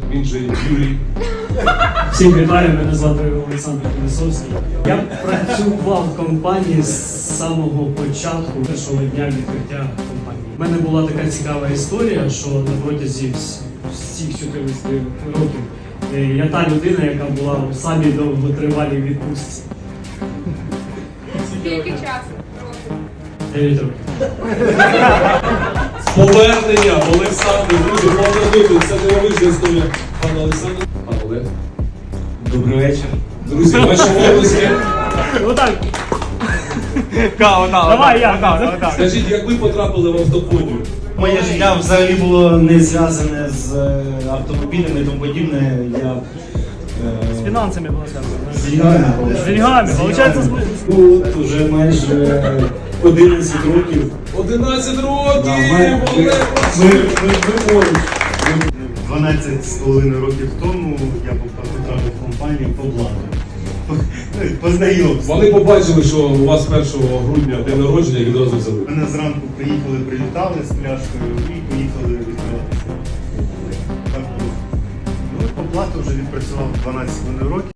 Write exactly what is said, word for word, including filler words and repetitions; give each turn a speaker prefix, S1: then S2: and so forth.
S1: він же Юрій.
S2: Всім вітаю, мене звати Олександр Колесовський. Я працював в компанії з самого початку, першого дня відкриття компанії. У мене була така цікава історія, що на протязі вс- всіх чотирнадцяти років е, я та людина, яка була в самій довготривалій відпустці.
S3: Скільки часу?
S2: дев'ять років.
S1: З поверненням, Олександр, друзі, повернути. Це дивовижна історія. Пане Олександр, пан Олег.
S4: Добрий вечір.
S1: Друзі, ваші обласки.
S2: Отак.
S4: Давай,
S2: Давай, я.
S1: Скажіть, як ви потрапили в автоподію?
S4: Моє життя взагалі було не зв'язане з е, автомобілями і тому подібне. Я
S2: З
S4: е,
S2: фінансами було зв'язано.
S4: з деньгами.
S2: З деньгами, виходить, з...
S4: Ну, от уже майже одинадцять років.
S1: одинадцять
S4: Да,
S1: років!
S4: ми, ми,
S1: Олег!
S4: ми, ми, ми поруч. дванадцять з половиною років тому я потрапив в компанію по блату. Ну, познайомився.
S1: Вони побачили, що у вас першого грудня день народження і відразу взяли.
S4: Мене зранку приїхали, прилітали з пляшкою і поїхали відкриватися. Так було. Ну, по блату вже відпрацював дванадцять з половиною років.